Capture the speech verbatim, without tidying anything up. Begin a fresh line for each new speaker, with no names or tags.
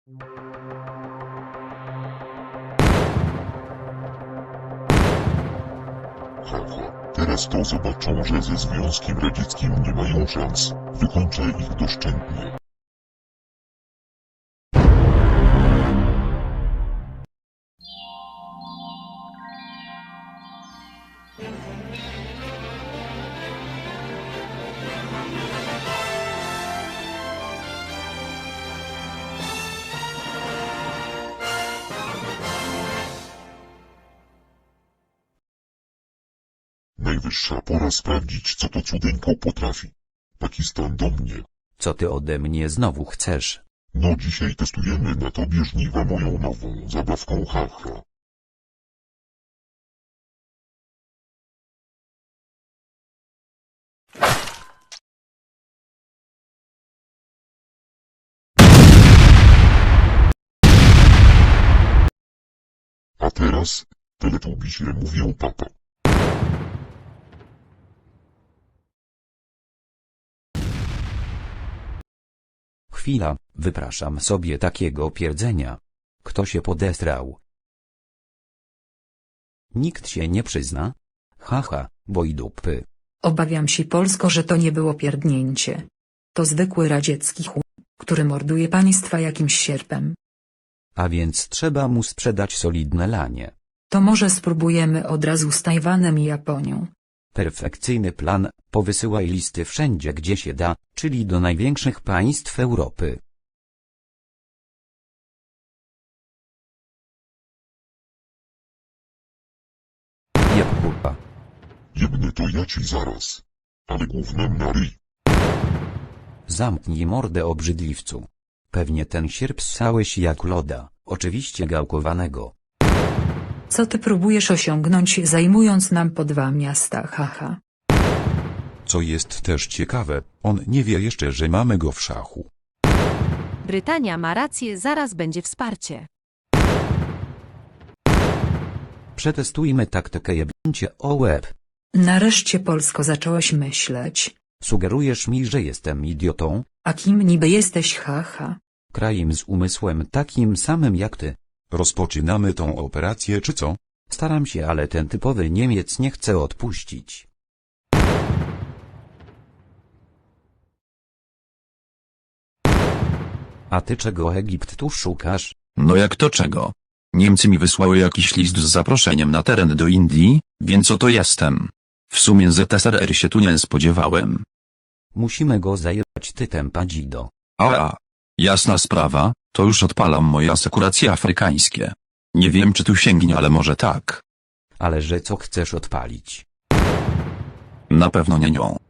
Haha, teraz to zobaczą, że ze Związkiem Radzieckim nie mają szans. Wykończę ich doszczętnie. Najwyższa pora sprawdzić, co to cudeńko potrafi. Pakistan do mnie.
Co ty ode mnie znowu chcesz?
No dzisiaj testujemy na tobie żniwa moją nową zabawką haha. A teraz, teletubisie mówią papa.
Chwila, wypraszam sobie takiego pierdzenia. Kto się podestrał? Nikt się nie przyzna? Haha, bo i dupy.
Obawiam się Polsko, że to nie było pierdnięcie. To zwykły radziecki chuj, który morduje państwa jakimś sierpem.
A więc trzeba mu sprzedać solidne lanie.
To może spróbujemy od razu z Tajwanem i Japonią.
Perfekcyjny plan, powysyłaj listy wszędzie gdzie się da, czyli do największych państw Europy. Jeb kurwa.
Jebny to ja ci zaraz. Ale głównym na ryj.
Zamknij mordę obrzydliwcu. Pewnie ten sierp ssałeś jak loda, oczywiście gałkowanego.
Co ty próbujesz osiągnąć zajmując nam po dwa miasta haha?
Co jest też ciekawe, on nie wie jeszcze, że mamy go w szachu.
Brytania ma rację, zaraz będzie wsparcie.
Przetestujmy taktykę jebnięcie o łeb.
Nareszcie Polsko zacząłeś myśleć.
Sugerujesz mi, że jestem idiotą?
A kim niby jesteś haha?
Krajem z umysłem takim samym jak ty.
Rozpoczynamy tą operację czy co?
Staram się, ale ten typowy Niemiec nie chce odpuścić. A ty czego Egipt tu szukasz?
No jak to czego? Niemcy mi wysłały jakiś list z zaproszeniem na teren do Indii, więc oto jestem. W sumie Z S R R się tu nie spodziewałem.
Musimy go zajebać ty tempa dzido.
A, jasna sprawa, to już odpalam moje asekuracje afrykańskie. Nie wiem czy tu sięgnie, ale może tak.
Ale że co chcesz odpalić?
Na pewno nie nią.